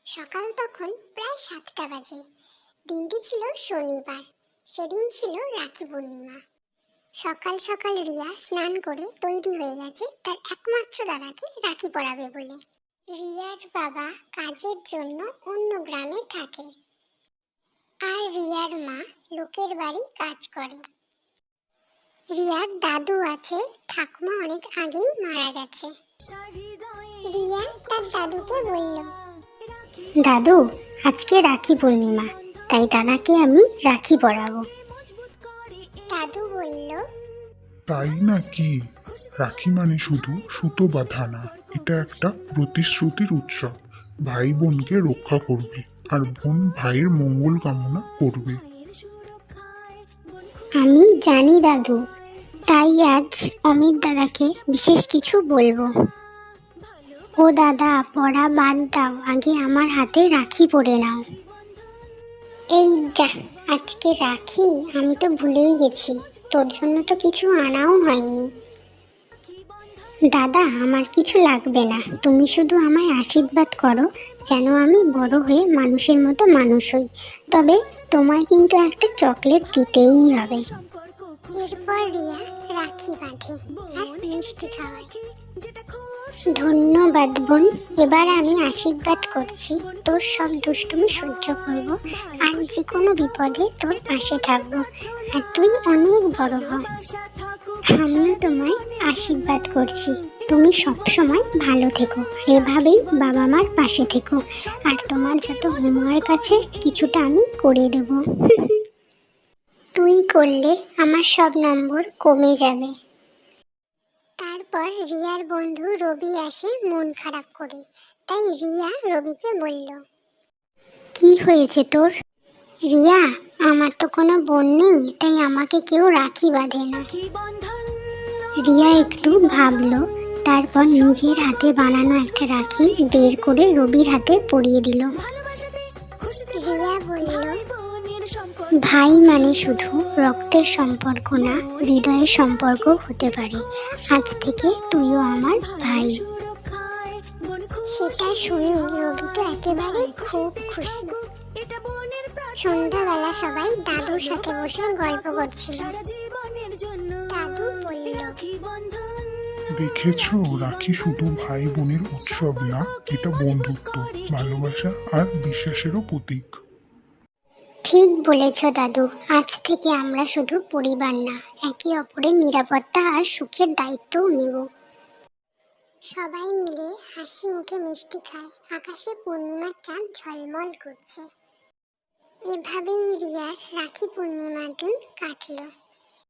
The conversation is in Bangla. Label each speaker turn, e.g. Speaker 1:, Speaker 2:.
Speaker 1: সকাল তখন প্রায় 7টা বাজে। দিনটি ছিল শনিবার। সেদিন ছিল রাখি পূর্ণিমা। সকাল সকাল রিয়া স্নান করে তৈরি হয়ে গেছে তার একমাত্র দাদাকে রাখি পরাবে বলে। রিয়ার বাবা কাজের জন্য অন্য গ্রামে থাকে, আর রিয়ার মা লোকের বাড়ি কাজ করে। রিয়ার দাদু আছে, ঠাকুমা অনেক আগেই মারা গেছে। রিয়া তার দাদুকে বলল, দাদু, আজকে রাখি পূর্ণিমা, তাই দাদাকে আমি রাখি পরাবো। দাদু বলল,
Speaker 2: তাই না কি? রাখি মানে শুধু সুতো বাঁধা না, এটা একটা প্রতিশ্রুতির উৎসব। ভাই বোনকে রক্ষা করবে আর বোন ভাইয়ের মঙ্গল কামনা করবে।
Speaker 1: আমি জানি দাদু, তাই আজ অমিত দাদাকে বিশেষ কিছু বলবো। ও দাদা, পড়া বাদ দাও, আগে আমার হাতে রাখি পরে নাও। এই যা, আজকে রাখি? আমি তো ভুলেই গেছি, তোর জন্য তো কিছু আনাও হয়নি। দাদা, আমার কিছু লাগবে না, তুমি শুধু আমায় আশীর্বাদ করো যেন আমি বড় হয়ে মানুষের মতো মানুষ হই। তবে তোমায় কিন্তু একটা চকলেট দিতেই হবে। এরপর রিয়া রাখি বাঁধে আর মিষ্টি খাওয়ায়। ধন্যবাদ বোন, এবার আমি আশীর্বাদ করছি তোর সব দুষ্টুমি সহ্য করব, আর যে কোনো বিপদে তোর পাশে থাকবো, আর তুই অনেক বড় হ। আমিও তোমায় আশীর্বাদ করছি, তুমি সব সময় ভালো থেকো, এভাবেই বাবা মার পাশে থেকো, আর তোমার যত হোমওয়ার্ক আছে কিছুটা আমি করে দেব। তুই করলে আমার সব নম্বর কমে যাবে। তারপর রিয়ার বন্ধু রবি আসে মন খারাপ করে, তাই রিয়া রবিকে বলল, কি হয়েছে তোর? রিয়া, আমার তো কোনো বোন নেই, তাই আমাকে কেউ রাখি বাঁধে না। রিয়া একটু ভাবলো, তারপর নিজের হাতে বানানো একটা রাখি বের করে রবির হাতে পরিয়ে দিল। রিয়া বলল, ভাই মানে শুধু রক্তের সম্পর্ক না, হৃদয়ের সম্পর্ক হতে পারে। আজ থেকে তুইও আমার ভাই। সেটা শুনে রবি তো একেবারে খুব খুশি। সন্ধ্যাবেলা সবাই দাদুর সাথে বসে গল্প করছিল। দাদু বলল,
Speaker 2: দেখেছো, রাখি শুধু ভাই বোনের উৎসব না, এটা বন্ধুত্ব, ভালোবাসা আর বিশ্বাসেরও প্রতীক।
Speaker 1: ঠিক বলেছ দাদু, আজ থেকে আমরা শুধু পরিবার না, একে অপরের নিরাপত্তা আর সুখের দায়িত্বও নেব। সবাই মিলে হাসি মুখে মিষ্টি খায়, আকাশে পূর্ণিমার চাঁদ ঝলমল করছে। এভাবেই রিয়ার রাখি পূর্ণিমার দিন কাটলো।